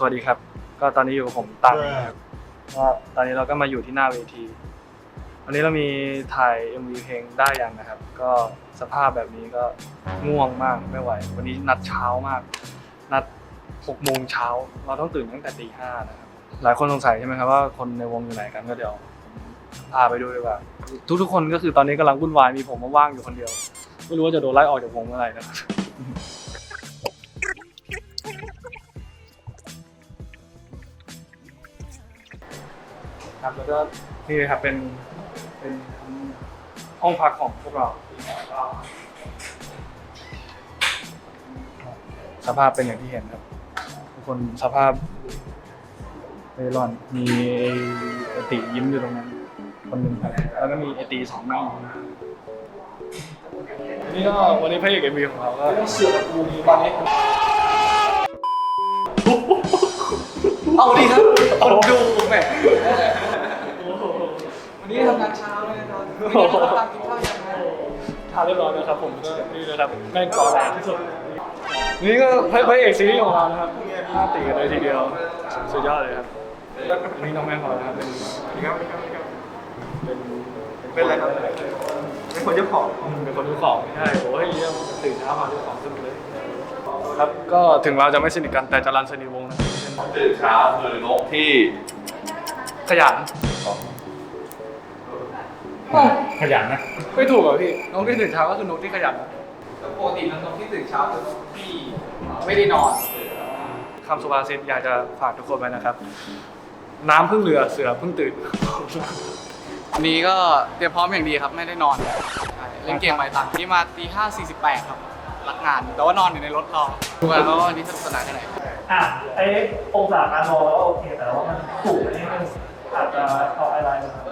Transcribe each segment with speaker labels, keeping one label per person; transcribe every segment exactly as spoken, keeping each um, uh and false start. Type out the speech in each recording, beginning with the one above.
Speaker 1: วัสดีครับก็ตอนนี้อยู่กับผมตังครับก็ตอนนี้เราก็มาอยู่ที่หน้าเวทีวันนี้เรามีถ่าย เอ็ม วี เพลงได้ยังนะครับก็สภาพแบบนี้ก็ง่วงมากไม่ไหววันนี้นัดเช้ามากนัดหกโมงเช้าเราต้องตื่นตั้งแต่ตีห้านะครับหลายคนสงสัยใช่ไหมครับว่าคนในวงอยู่ไหนกันก็เดี๋ยวพาไปดูดีกว่าทุกๆคนก็คือตอนนี้กำลังวุ่นวายมีผมว่างอยู่คนเดียวไม่รู้ว่าจะโดนไล่ออกจากวงเมื่อไหร่นะครับครับแล้วก็นี่เลยครับเป็นเป็นห้องพักของพวกเราสภาพเป็นอย่างที่เห็นครับทุกคนสภาพเร่ร่อนมีไอติยิ้มอยู่ตรงนั้นคนหนึ่งครับแล้วก็มีไอติสองนั่งนี่ก็วันนี้พระเอกเอ็มวีของเราก็เสือกูมีตอนนี้เอาดีครับคนดูแหมวันนี้ทำงานเช้าเลยครับวันนี้เราตั้งกินข้าวยังไงทานเรียบร้อยแล้วครับผมก็นี่เลยครับแม่งก่อแรงที่สุดนี่ก็พระเอกซีรีส์ของเรานะครับหน้าตีกันเลยทีเดียวสุดยอดเลยครับนี่น้องแม่ของเรานะครับเป็นเป็นเป็นอะไรครับเป็นคนเจ้าของเป็นคนเจ้าของใช่โอ้ยเยี่ยมตื่นเช้ามาเจ้าของสนุกเลยครับก็ถึงเราจะไม่สนิทกันแต่จรัญสนิทวงศ์นะครับ
Speaker 2: ตื่นเช้าคือนกที่
Speaker 1: ขยัน
Speaker 3: ขยันนะ
Speaker 1: ไม่ถูกเหรอพี่นกที่ตื่นเช้าก็คือนกที่ขยัน
Speaker 4: ปกตินกที่ตื่นเช้าคือนกที่ไม่ได้นอน
Speaker 1: คำสุภาษิตอยากจะฝากทุกคนไว้นะครับน้ำพึ่งเรือเสือพึ่งตื่น
Speaker 4: วันนี้ก็เตรียมพร้อมอย่างดีครับไม่ได้นอนเล่นเกมใหม่ต่างที่มาตีห้าสี่สิบแปดครับรักงานแต่ว่านอนอยู่ในรถรอดูกันแล้ววันนี้สนุกสนานแค่ไหน
Speaker 3: อ่ะไอ้องศาการมองแล้วโอเคแต่ว่ามันสูงอันนี้มันอาจจะเอาอะไร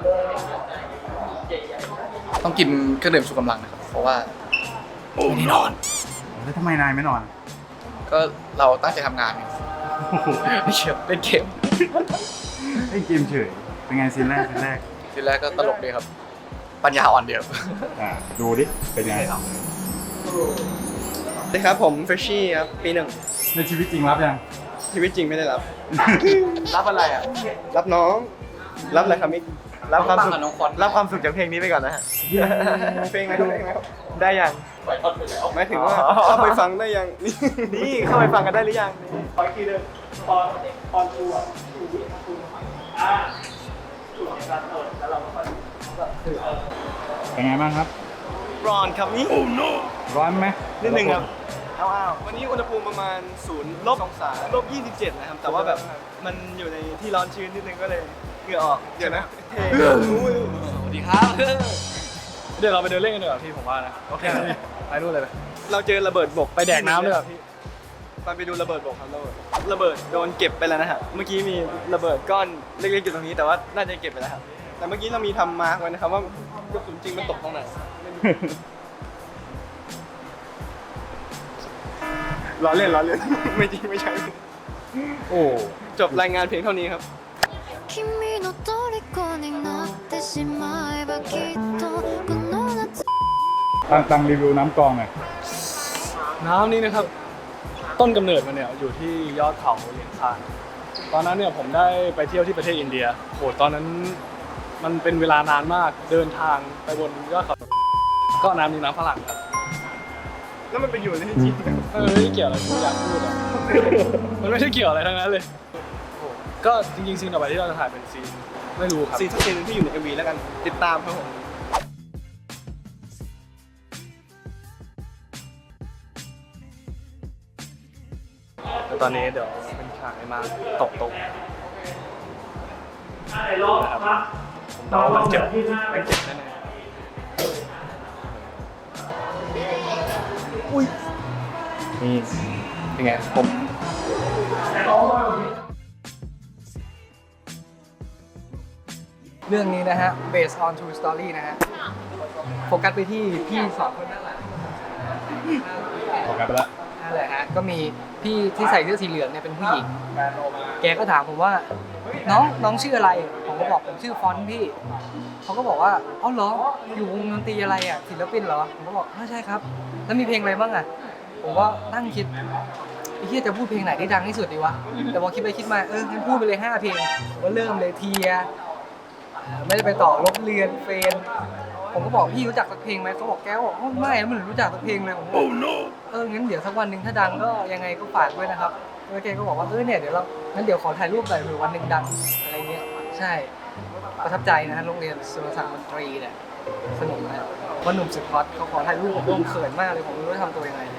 Speaker 4: ต้องกินเครื่องดื่มชูกำลังนะครับเพราะว่าไม่ได้นอน
Speaker 3: แล้วทำไมนายไม่นอน
Speaker 4: ก็เราตั้งใจทำงานไม่เกี่ยวเล่นเกม
Speaker 3: เล่นเกมเฉยเป็นไงซีนแรกซีนแรก
Speaker 4: ซีนแรกก็ตลกดีครับปัญญาอ่อนเดียว
Speaker 3: อ่าดูดิเป็นไง
Speaker 4: ครับสวัสดีครับผมเฟรชชี่ครับปีหนึ่ง
Speaker 3: ในชีวิตจริงรับยัง
Speaker 4: ชีวิตจริงไม่ได้รับรับอะไรอ่ะรับน้องรับอะไรครับมิกรับความสุขรับความสุขจากเพลงนี้ไปก่อนนะฮะเพลงอะไรเพลงอะไรได้ยังหมายถึงว่าเข้าไปฟังได้ยังนี่เข้าไปฟังกันได้หรือยัง
Speaker 3: ขออีกทีเดิมตอนตอนกูอ่ะกูกูอ่าจุดในการเปิดแล้วเราก็ค่อยเป็นไงบ้างครับ
Speaker 4: ร้อนครับนี่
Speaker 3: ร้อนไหม
Speaker 4: นิดนึงครับอ้าววันนี้อุณหภูมิประมาณศูนย์ลบองศาลบยี่สิบเจ็ดนะครับแต่ว่าแบบมันอยู่ในที่ร้อนชื้นนิดนึงก็เลยเหงื่อออกเดี๋ยวนะสวัสดีครับ
Speaker 1: เดี๋ยวเราไปเดินเล่นกันดีกว่าพี่ผมว่านะโอเคไปนู่นเลยไป
Speaker 4: เราเจอระเบิดบก
Speaker 1: ไปแดกน้ำด้วยพี่
Speaker 4: ไปไปดูระเบิดบกครับระเบิดระเบิดโดนเก็บไปแล้วนะฮะเมื่อกี้มีระเบิดก้อนเล็กๆอยู่ตรงนี้แต่ว่าน่าจะเก็บไปแล้วครับแต่เมื่อกี้เรามีทำมาร์กไว้นะครับว่ากระสุนจริงมันตกตรงไหนล้อเล่นล้อเล่นไม่จริงไม่ใช่
Speaker 1: โอ้
Speaker 4: จบรายงานเพียงเท่านี้ครับ
Speaker 3: ตั้งตั้งรีวิวน้ำกองหน่อย
Speaker 1: น้ำนี้นะครับต้นกำเนิดมันเนี่ยอยู่ที่ยอดเขาเหลียงซานตอนนั้นเนี่ยผมได้ไปเที่ยวที่ประเทศอินเดียโหตอนนั้นมันเป็นเวลานานมากเดินทางไปบนยอดเขาก็น้ำนี้น้ำฝรั่งครับ
Speaker 4: แล้วมันไปอยู่ในที่จริง
Speaker 1: มันไม่ได้เกี่ยวอะไรที่อยากพูดอ่ะมันไม่ได้เกี่ยวอะไรทั้งนั้นเลยก็จริงๆซีนต่อไปที่เราจะถ่ายเป็นซีนไม่รู้ครับ
Speaker 4: ซีนทุกซีนที่อยู่ใน เอ็ม วี แล้วกันติดตามครับผม
Speaker 1: แล้วตอนนี้เดี๋ยวเป็นฉากไอ้มาตกตกนะครับผมเดาว่ามันเจ็บมันเจ็บแน่ๆอุ้ยนี่เป็นไงผม
Speaker 4: เรื่องนี้นะฮะ based on true story นะฮะโฟกัสไปที่พี่สองคนนั่นแหละ
Speaker 3: โฟกัสไปแล้ว
Speaker 4: นั่นแหละฮะก็มีพี่ที่ใส่เสื้อสีเหลืองเนี่ยเป็นผู้หญิงแกก็ถามผมว่าน้องน้องชื่ออะไรผมก็บอกผมชื่อฟอนต์พี่เขาก็บอกว่าเอ้าเหรออยู่วงดนตรีอะไรอ่ะศิลปินเหรอผมก็บอกไม่ใช่ครับแล้วมีเพลงอะไรบ้างอ่ะผมก็นั่งคิด
Speaker 5: ไอ้เฮียจะพูดเพลงไหนได้ดังที่สุดดีวะแต่พอคิดไปคิดมาเอองั้นพูดไปเลยห้าเพลงก็เริ่มเลยเทียไม่ได้ไปต่อลบเรียนเฟนผมก็บอกพี่รู้จักสักเพลงไหมเขาบอกแก้วบอกไม่ไม่รู้จักสักเพลงเลยผมบอกเอองั้นเดี๋ยวสักวันหนึ่งถ้าดังก็ยังไงก็ฝากด้วยนะครับแล้วแกก็บอกว่าเออเนี่ยเดี๋ยวเรางั้นเดี๋ยวขอถ่ายรูปหน่อยเผื่อวันหนึ่งดังอะไรเงี้ยใช่ประทับใจนะฮะโรงเรียนสุรศักดิ์มนตรีเนี่ยสนุกนะว่าหนุ่มสุดฮอตเขาขอถ่ายรูปผมผมเขินมากเลยผมไม่รู้จะทำตัวยังไงเลย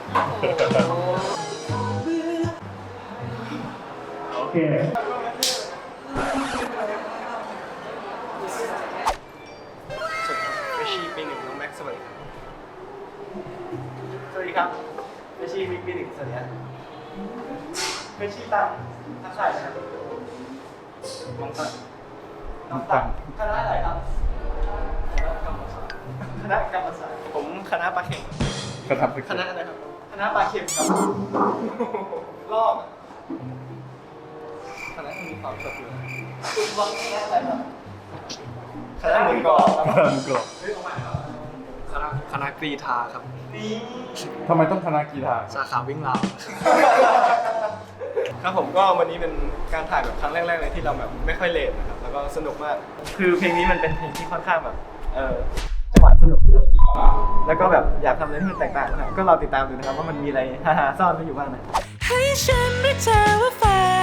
Speaker 3: โอเค
Speaker 4: เฟชชี่ปีหนึ่งน้องแม็กซ์สวัสดีครับสวัสดีครับเฟชชี่ปีหนึ่งสวัสดีครับเฟชชี่ตังทักทายนะครับน้องตังน้องตังคณะอะไรครับคณะกรรมศาสตร์ผมคณะปลาเข็ม
Speaker 2: กระทับ
Speaker 4: คณะอะไรครับคณะปลาเข็มครับรอบคณะที่มีความสดอยู่คุณวังคณะอะไรครับคณะหมือกรอบครับ
Speaker 2: กระทับกรอบ
Speaker 1: คณะคณะกรีธาครับ
Speaker 4: นี่
Speaker 2: ทำไมต้องคณะกีฬา
Speaker 1: สาขาวิ่งราว
Speaker 4: ครับผมก็วันนี้เป็นการถ่ายแบบครั้งแรกๆเลยที่เราแบบไม่ค่อยเลทนะครับแล้วก็สนุกมาก คือเพลงนี้มันเป็นเพลงที่ค่อนข้างแบบเออจังหวะสนุกแล้วก็แบบอยากทำอะไรที่มันแตกต่างนะครับก็เราติดตามดูนะครับว่ามันมีอะไรฮ่าๆซ่อนไว้อยู่บ้างนะ
Speaker 6: ให้ฉันเรียกเธอว่าแฟน